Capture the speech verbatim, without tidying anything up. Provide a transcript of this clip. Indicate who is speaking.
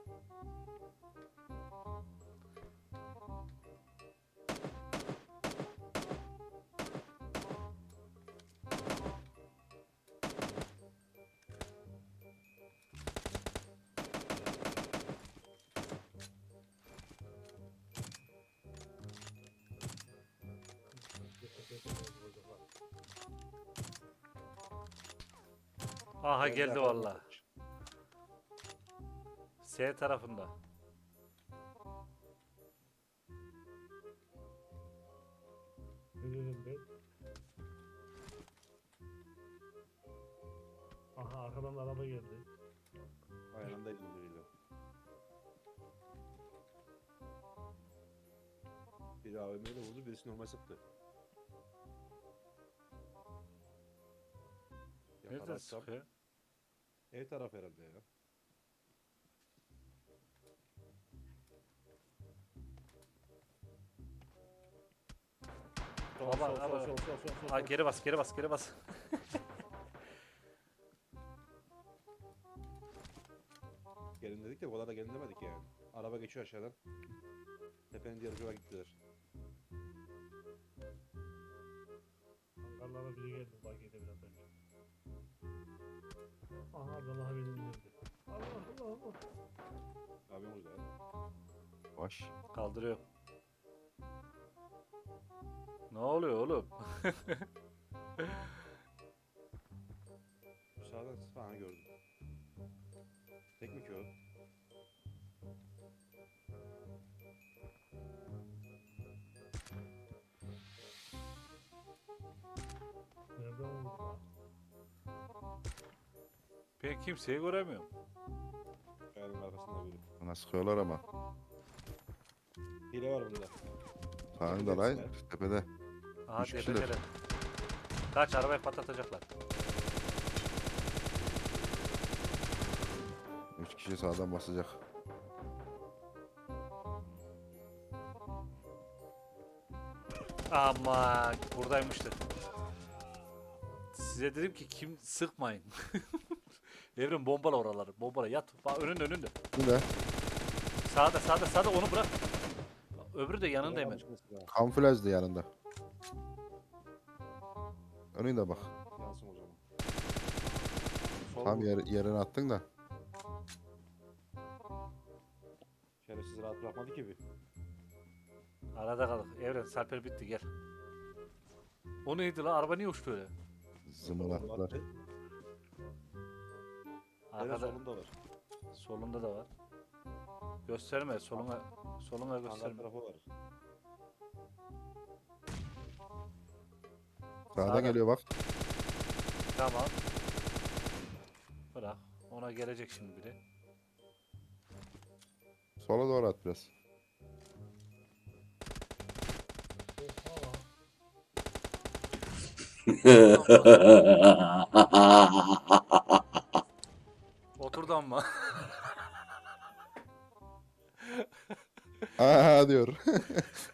Speaker 1: Aha
Speaker 2: Geldi
Speaker 1: geldi
Speaker 2: arkadan.
Speaker 1: valla. S tarafında.
Speaker 3: Ölüyorum ben. Aha arkadan araba geldi.
Speaker 2: Aynı anda biriyle. Biri A V M'yle vurdu, birisi normal sıktı.
Speaker 1: Nereden
Speaker 2: Yakalarsam
Speaker 1: sıkıyor?
Speaker 2: ev tarafı herhalde ya. Sol,
Speaker 1: Baba,
Speaker 2: sol, sol,
Speaker 1: baba.
Speaker 2: sol, sol, sol, sol,
Speaker 1: Ha
Speaker 2: sol.
Speaker 1: geri bas, geri bas, geri bas.
Speaker 2: Gelin dedik de o kadar da gelin demedik yani. Araba geçiyor aşağıdan. Tepenin diğer ucuna gittiler.
Speaker 3: Hangarlara biri geldi bagide biraz önce. Aha Abdullah beni indirdi. Allah Allah Allah.
Speaker 2: Abi orada ya.
Speaker 4: Baş.
Speaker 1: Kaldırıyor. Ne oluyor oğlum?
Speaker 2: Sağdan falan gördüm. Tek mi ki o?
Speaker 3: Nereden vurdu lan?
Speaker 1: Ben kimseyi göremiyorum.
Speaker 2: Kayanın arkasında biri.
Speaker 4: Bana sıkıyorlar ama.
Speaker 2: Hile var bunda.
Speaker 4: Sağında lan tepede.
Speaker 1: Aha
Speaker 4: Üç kişiler.
Speaker 1: tepedeler. Kaç arabayı patlatacaklar.
Speaker 4: Üç kişi sağdan basacak.
Speaker 1: Ama buradaymıştı. Size dedim ki kim sıkmayın. Evren bombala oraları. Bombala yat. Bak önünde önünde.
Speaker 4: Bu ne?
Speaker 1: Sağda sağda sağda onu bırak. Öbürü de yanında hemen.
Speaker 4: Kamuflajdı yanında. Önünde bak.
Speaker 2: Yansın o zaman. Sol
Speaker 4: Tam
Speaker 2: vur.
Speaker 4: yer, yerine attın da.
Speaker 2: Şerefsiz rahat bırakmadı ki bir.
Speaker 1: Arada kaldık. Evren Sarper bitti gel. O neydi la? Araba niye uçtu öyle?
Speaker 4: Zımılattılar.
Speaker 2: Attı. Hemen
Speaker 1: Arkada
Speaker 2: solunda var.
Speaker 1: solunda da var. Gösterme soluna soluna
Speaker 2: Hangar
Speaker 1: gösterme.
Speaker 2: tarafı var.
Speaker 4: Sağdan
Speaker 1: Sağda.
Speaker 4: geliyor bak.
Speaker 1: Tamam. Bırak. Ona gelecek şimdi biri.
Speaker 4: Sola doğru at biraz.
Speaker 3: Oha lan.
Speaker 1: Oturdu ama.
Speaker 4: Aha diyor.